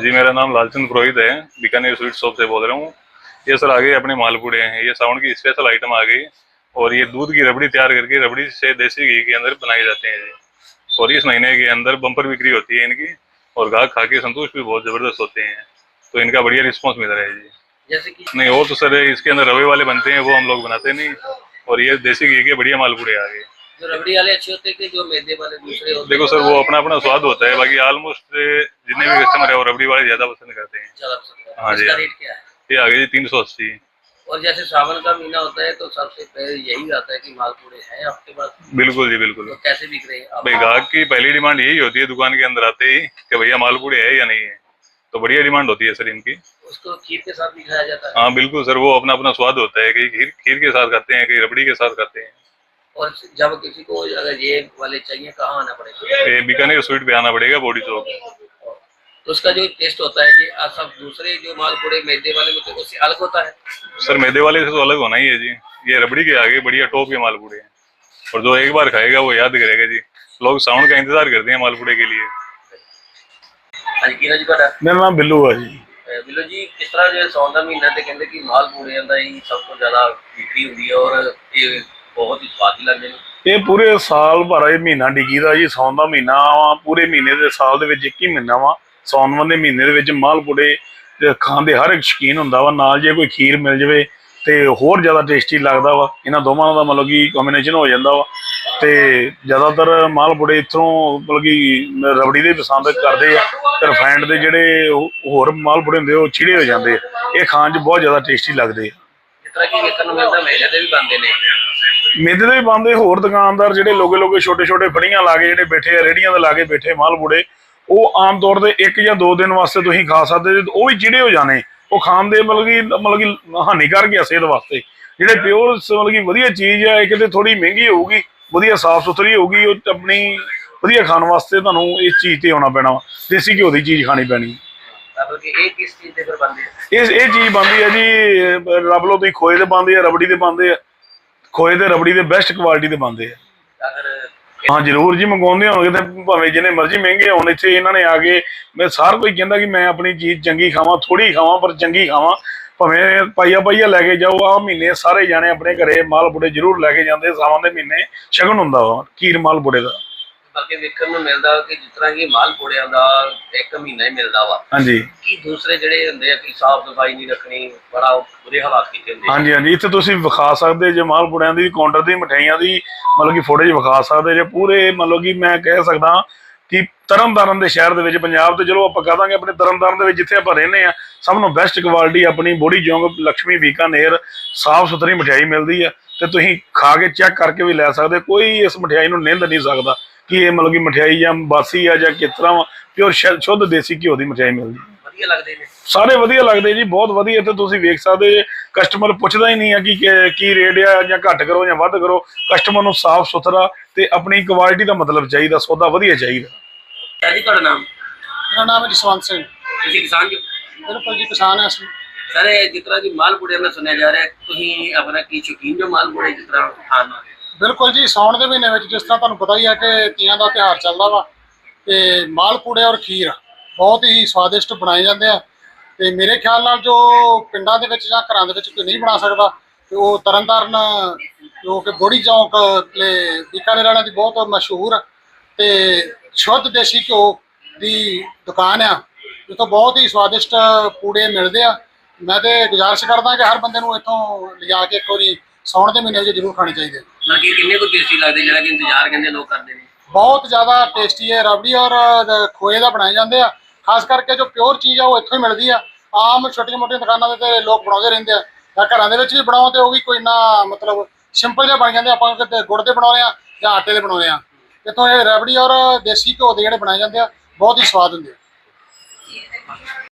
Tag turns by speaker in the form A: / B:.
A: जी मेरा नाम लालचंद पुरोहित है, बीकानेर स्वीट शॉप से बोल रहा हूँ। ये सर आगे अपने मालपुड़े हैं, ये साउंड की स्पेशल आइटम आ गई और ये दूध की रबड़ी तैयार करके रबड़ी से देसी घी के अंदर बनाए जाते हैं जी। और इस महीने के अंदर बम्पर बिक्री होती है इनकी और ग्राहक खा के संतुष्ट भी बहुत जबरदस्त होते हैं, तो इनका बढ़िया रिस्पॉन्स मिल रहा है जी।
B: जैसे कि
A: नहीं और तो सर इसके अंदर रवे वाले बनते हैं, वो हम लोग बनाते नहीं, और ये देसी घी के बढ़िया मालपुड़े आ गए।
B: जो रबड़ी वाले अच्छे होते हैं कि जो मैदे वाले दूसरे होते
A: देखो सर वो अपना अपना स्वाद होता है, बाकी ऑलमोस्ट जितने भी कस्टमर है वो रबड़ी वाले ज्यादा पसंद करते हैं।
B: ज्यादा पसंद है?
A: हाँ जी,
B: इसका रेट क्या है?
A: ये आ गया जी 380।
B: और जैसे सावन का महीना होता है तो सबसे पहले यही आता है कि मालपूड़े हैं आपके पास?
A: बिल्कुल जी बिल्कुल।
B: तो कैसे बिक रहे हैं आप?
A: भाई ग्राहक की पहली डिमांड यही होती है दुकान के अंदर आते ही कि भैया मालपुड़े है या नहीं है, तो बढ़िया डिमांड होती है सर इनकी।
B: उसको खीर के साथ भी खाया जाता है?
A: हाँ बिल्कुल सर, वो अपना अपना स्वाद होता है, कहीं खीर खीर के साथ खाते हैं, कहीं रबड़ी के साथ खाते हैं।
B: और जब किसी को अगर ये वाले चाहिए कहाँ आना पड़ेगा?
A: ये बीकानेर स्वीट पे आना पड़ेगा, बॉडी चौक।
B: तो उसका जो टेस्ट होता है ये सब दूसरे जो मालपूड़े मैदे वाले होते हैं उससे अलग होता है?
A: सर मैदे वाले से तो अलग होना ही है जी, ये रबड़ी के आगे बढ़िया टॉप के मालपुड़े हैं, और जो एक बार खाएगा वो याद करेगा जी। लोग साउंड का इंतजार करते हैं मालपुड़े के लिए।
B: हाँ जी, जी बड़ा
C: मेरा नाम बिल्लू है जी।
B: बिल्लू जी, किस तरह जो सौन का महीना ते कहते कि मालपूड़े का ही सब तो ज्यादा बिक्री होती है और ये बहुत ही स्वादी लगते हैं?
C: ਇਹ ਪੂਰੇ ਸਾਲ ਭਰ ਇਹ ਮਹੀਨਾ ਡਿੱਗੀ ਦਾ ਜੀ। ਸੌਣ ਦਾ ਮਹੀਨਾ ਵਾ, ਪੂਰੇ ਮਹੀਨੇ ਦੇ ਸਾਲ ਦੇ ਵਿੱਚ ਇੱਕ ਹੀ ਮਹੀਨਾ ਵਾ ਸੌਣ ਦੇ ਮਹੀਨੇ ਦੇ ਵਿੱਚ ਮਾਲਪੂੜੇ ਖਾਣ ਦੇ ਹਰ ਇੱਕ ਸ਼ੌਕੀਨ ਹੁੰਦਾ ਵਾ। ਨਾਲ ਜੇ ਕੋਈ ਖੀਰ ਮਿਲ ਜਾਵੇ ਤੇ ਹੋਰ ਜ਼ਿਆਦਾ ਟੇਸਟੀ ਲੱਗਦਾ ਵਾ। ਇਹਨਾਂ ਦੋਵਾਂ ਦਾ ਮਤਲਬ ਕਿ ਕੰਬੀਨੇਸ਼ਨ ਹੋ ਜਾਂਦਾ ਵਾ। ਤੇ ਜ਼ਿਆਦਾਤਰ ਮਾਲਪੂੜੇ ਇੱਥੋਂ ਮਤਲਬ ਕਿ ਰਬੜੀ ਦੇ ਪਸੰਦ ਕਰਦੇ ਆ, ਤੇ ਰਿਫਾਈਨਡ ਦੇ ਜਿਹੜੇ ਹੋਰ ਮਾਲਪੂੜੇ ਹੁੰਦੇ ਉਹ ਛਿੜੇ ਹੋ ਜਾਂਦੇ ਆ। ਇਹ ਖਾਣ 'ਚ ਬਹੁਤ ਜ਼ਿਆਦਾ ਟੇਸਟੀ ਲੱਗਦੇ ਆ।
B: ਜਿਸ ਤਰ੍ਹਾਂ ਕਿ ਵੇਖਣ ਨੂੰ ਮਿਲਦਾ ਮੈਦੇ ਦੇ ਵੀ ਬਣਦੇ ਨੇ।
C: ਮੇਦੇ ਦੇ ਵੀ ਬਣਦੇ। ਹੋਰ ਦੁਕਾਨਦਾਰ ਜਿਹੜੇ ਲੋਗੇ ਲੋਗੇ ਛੋਟੇ ਛੋਟੇ ਫੜੀਆਂ ਲਾ ਕੇ ਜਿਹੜੇ ਬੈਠੇ ਆ, ਰੇਹੜੀਆਂ ਦੇ ਲਾ ਕੇ ਬੈਠੇ ਮਾਲਪੂੜੇ, ਉਹ ਆਮ ਤੌਰ ਤੇ 1 ਜਾਂ 2 ਦਿਨ ਵਾਸਤੇ ਤੁਸੀਂ ਖਾ ਸਕਦੇ, ਉਹ ਵੀ ਚਿੜੇ ਹੋ ਜਾਣੇ। ਉਹ ਖਾਣ ਦੇ ਮਤਲਬ ਕਿ ਹਾਨੀਕਾਰਕ ਆ ਸਿਹਤ ਵਾਸਤੇ। ਜਿਹੜੇ ਪਿਓਰ ਮਤਲਬ ਕਿ ਵਧੀਆ ਚੀਜ਼ ਆ, ਕਿਤੇ ਥੋੜੀ ਮਹਿੰਗੀ ਹੋਊਗੀ, ਵਧੀਆ ਸਾਫ ਸੁਥਰੀ ਹੋਊਗੀ, ਉਹ ਆਪਣੀ ਵਧੀਆ ਖਾਣ ਵਾਸਤੇ ਤੁਹਾਨੂੰ ਇਸ ਚੀਜ਼ ਤੇ ਆਉਣਾ ਪੈਣਾ ਵਾ। ਦੇਸੀ ਘਿਓ ਦੀ ਚੀਜ਼ ਖਾਣੀ ਪੈਣੀ।
B: ਮਤਲਬ ਕਿ ਇਹ ਕਿਸ ਚੀਜ਼ ਦੇ ਫਿਰ ਬਣਦੇ ਆ?
C: ਇਹ ਚੀਜ਼ ਬਣਦੀ ਹੈ ਜੀ, ਰੱਬ ਲੋ ਤੁਸੀਂ ਖੋਏ ਦੇ ਬਣਦੇ ਆ, ਰਬੜੀ ਦੇ ਬਣਦੇ ਆ। ਖੋਏ ਤੇ ਰਬੜੀ ਦੇ ਬੈਸਟ ਕੁਆਲਿਟੀ ਦੇ ਬਣਦੇ ਆ। हाँ जरूर जी, मंगवाते होंगे तो भावें जिन्ने मर्जी महंगे होने, इत्थे इन्होंने आके मैं सार कोई कहता कि मैं अपनी चीज़ चंगी खावा, थोड़ी खावा पर चंगी खावा। भावें पाइया पाइया लैके जाओ। आ महीने सारे जाने अपने घरे मालपूड़े जरूर लैके जाते। सावन के महीने शगन हुंदा वा खीर मालपूड़े का।
B: ਬਾਕੀ ਵੇਖਣ ਨੂੰ ਮਿਲਦਾ ਕਿ ਜਿਸ ਤਰ੍ਹਾਂ ਕਿ ਮਾਲਪੂੜਿਆਂ ਦਾ 1 ਮਹੀਨਾ ਹੀ ਮਿਲਦਾ ਵਾ।
C: ਹਾਂਜੀ
B: ਕੀ ਦੂਸਰੇ ਜਿਹੜੇ ਹੁੰਦੇ ਆ ਕਿ ਸਾਫ ਸਫਾਈ ਨਹੀਂ ਰੱਖਣੀ, ਬੜਾ ਬੁਰੇ ਹਾਲਾਤ ਕੀਤੇ ਹੁੰਦੇ।
C: ਹਾਂਜੀ ਹਾਂਜੀ, ਇੱਥੇ ਤੁਸੀਂ ਵਿਖਾ ਸਕਦੇ ਜੇ ਮਾਲਪੂੜਿਆਂ ਦੀ ਕਾਊਂਟਰ ਦੀ ਮਠਿਆਈਆਂ ਦੀ ਮਤਲਬ ਕਿ ਫੋਟੋਜ ਵਿਖਾ ਸਕਦੇ ਜੇ। ਪੂਰੇ ਮਤਲਬ ਕਿ ਮੈਂ ਕਹਿ ਸਕਦਾ ਕਿ ਤਰਨਤਾਰਨ ਦੇ ਸ਼ਹਿਰ ਦੇ ਵਿੱਚ, ਪੰਜਾਬ ਤੇ ਚਲੋ ਆਪਾਂ ਕਹਿ ਦਾਂਗੇ ਆਪਣੇ ਤਰਨਤਾਰਨ ਦੇ ਵਿੱਚ ਜਿੱਥੇ ਆਪਾਂ ਰਹਿੰਦੇ ਆ, ਸਭ ਨੂੰ ਬੈਸਟ ਕੁਆਲਿਟੀ ਆਪਣੀ ਬੋੜੀ ਚੌਂਕ ਲక్ష్ਮੀ ਬੀਕਾਨੇਰ ਸਾਫ ਸੁਥਰੀ ਮਠਿਆਈ ਮਿਲਦੀ ਆ। ਤੇ ਤੁਸੀਂ ਖਾ ਕੇ ਚੈੱਕ ਕਰਕੇ ਵੀ ਲੈ ਸਕਦੇ। ਕੋਈ ਇਸ ਮਠਿਆਈ ਨੂੰ ਨਿੰਦ ਨਹੀਂ ਸਕਦਾ ਕਿ ਇਹ ਮਤਲਬ ਕਿ ਮਠਿਆਈ ਜਾਂ ਬਾਸੀ ਆ ਜਾਂ ਕਿਸ ਤਰ੍ਹਾਂ ਪਿਓਰ ਸ਼ੁੱਧ ਦੇਸੀ ਘਿਓ ਦੀ ਮਠਿਆਈ ਮਿਲਦੀ।
B: ਵਧੀਆ ਲੱਗਦੇ ਨੇ
C: ਸਾਰੇ, ਵਧੀਆ ਲੱਗਦੇ ਜੀ, ਬਹੁਤ ਵਧੀਆ। ਤੇ ਤੁਸੀਂ ਵੇਖ ਸਕਦੇ ਜੇ ਕਸਟਮਰ ਪੁੱਛਦਾ ਹੀ ਨਹੀਂ ਆ ਕਿ ਕੀ ਰੇਟ ਆ ਜਾਂ ਘੱਟ ਕਰੋ ਜਾਂ ਵੱਧ ਕਰੋ। ਕਸਟਮਰ ਨੂੰ ਸਾਫ ਸੁਥਰਾ ਤੇ ਆਪਣੀ ਕੁਆਲਿਟੀ ਦਾ ਮਤਲਬ ਚਾਹੀਦਾ, ਸੌਦਾ ਵਧੀਆ ਚਾਹੀਦਾ।
B: ਜੀ ਤੁਹਾਡਾ ਨਾਮ?
D: मेरा नाम है जसवंत सिंह।
B: ਤੁਸੀਂ ਕਿਸਾਨ ਜੀ?
D: बिल्कुल जी, किसान है असली।
B: ਸਰ ਜਿਸ ਤਰ੍ਹਾਂ ਕਿ ਮਾਲਪੂੜੇ में ਸੁਣਿਆ ਜਾ ਰਿਹਾ ਤੁਸੀਂ ਆਪਣਾ ਕੀ ਸ਼ੌਕੀਨ ਜੋ ਮਾਲਪੂੜੇ ਜਿਸ ਤਰ੍ਹਾਂ ਖਾਣ ਨੂੰ?
D: बिल्कुल जी, साउण के महीने में जिस तरह तुहानूं पता ही है कि तीयां दा त्यौहार चलदा वा ते मालपूड़े और खीर बहुत ही स्वादिष्ट बनाए जाते हैं। ते मेरे ख्याल नाल जो पिंडां दे विच जां घरां दे विच कोई नहीं बना सकदा ते वो तरनताਰਨ जो कि बॉडी चौंक ले बीकानेर वालियां दी बहुत मशहूर ते शुद्ध देसी घ्यो दी दुकान आ, जिੱਥੋਂ बहुत ही स्वादिष्ट पूड़े मिलते हैं। मैं तो गुजारिश करदा कि हर बंदे नूं इत्थों लिजा के एक वारी साउण के महीने जरूर खाने चाहिए।
B: ਬਾਕੀ ਕਿੰਨੇ ਕੋ ਟੇਸਟੀ ਲੱਗਦੇ ਜਿਹੜਾ ਕਿ ਇੰਤਜ਼ਾਰ ਕਹਿੰਦੇ ਲੋਕ ਕਰਦੇ ਨੇ?
D: बहुत ज़्यादा टेस्टी है। रबड़ी और खोए का बनाए जाते हैं। खास करके जो प्योर चीज़ है वो इत्थों ही मिलती है। आम छोटी मोटी दुकानों से लोग बनाते रहते हैं, घर भी बनाओ तो भी कोई ना मतलब सिंपल जहा बन जाते। आप गुड़ के बनाने या आटे के बनाने, इतों रबड़ी और देसी घ्यो के जोड़े बनाए जाते हैं, बहुत ही स्वाद होंगे।